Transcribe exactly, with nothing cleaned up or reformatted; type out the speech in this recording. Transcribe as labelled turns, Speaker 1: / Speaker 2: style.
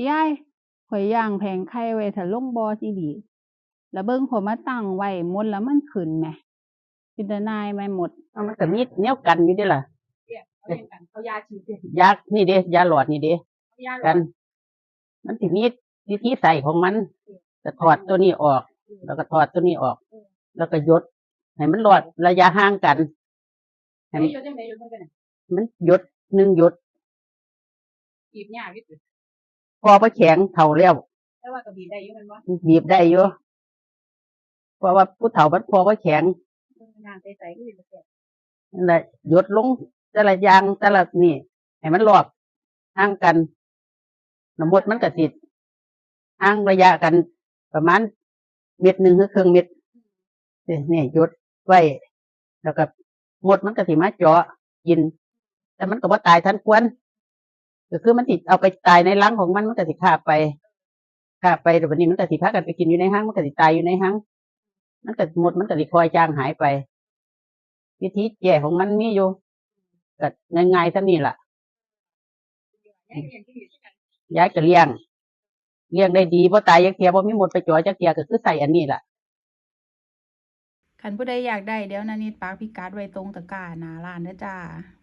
Speaker 1: ยายข้อยย่างแผงไข่ไว้ถ้าลงบ่ออีหลีแล้วเบิ่งข้อยมาตั้งไว้มดแล้วมันขึ้นแหมเป็นตาหน่ายไหมมด
Speaker 2: เอามันก็มีแนวกันอยู่เด้ล่ะ
Speaker 1: เนี่ยเอาอย่างกันเอายาฉีดสิ
Speaker 2: ยานี่เด้ยาหลอดนี่เด้
Speaker 1: เอายาหล
Speaker 2: กั
Speaker 1: อน ด
Speaker 2: มันสิมีวิธีใส่ของมันก็ถอดตัวนี้ออก แล้วก็ถอดตัวนี้ออก แล้วก็หยดให้มันรอดระยะห่างกันให้มัน
Speaker 1: เฮ็ดจังได๋อยู่เพิ่นก็น่ะ
Speaker 2: มันหยดหนึ่งหยด
Speaker 1: บีบยากอยู่ติ
Speaker 2: พอบ่แข็งเท่าแล้ว
Speaker 1: แต่ว่าก็บีบได้อยู่แม่นบ่
Speaker 2: บีบได้อยู่เพราะว่าผู้เฒ่ามันพอบ่แข็ง
Speaker 1: เบิ่งน้ำใสๆคือสิบ่แซ่บ
Speaker 2: นั่นแหละหยดลงแต่ละอย่างแต่ละนี่ให้มันรอบห่างกันน้ำมดมันก็สิห่างระยะกันประมาณเม็ดหนึ่งหรือครึ่งเม็ดนี่หยดไว้แล้วก็มดมันก็สิมาเจาะกิน แต่มันก็บ่ตายทันควรก็คือมันสิเอาไปตายในรังของมันมันก็สิคาบไปคาบไปแต่วันนี้มันก็สิพากันไปกินอยู่ในห้างมันก็สิตายอยู่ในห้างมันก็มดมันก็สิคอยจางหายไป วิธีแก้ของมันมีอยู่ก็ง่ายๆซะนี่ล่ะ
Speaker 1: ยายเรียนที่นี่คือกัน
Speaker 2: ยายก็เลี้ยงเลี้ยงได้ดีบ่ตายจักเที่ยบ่มีมดไปจ่อจักเที่ยก็คือใส่อันนี้ล่ะ
Speaker 1: คันผู้ใดอยากได้เดี๋ยวนานิดปักพิกัดไว้ตรงตะกร้าหน้าร้านเด้อจ้า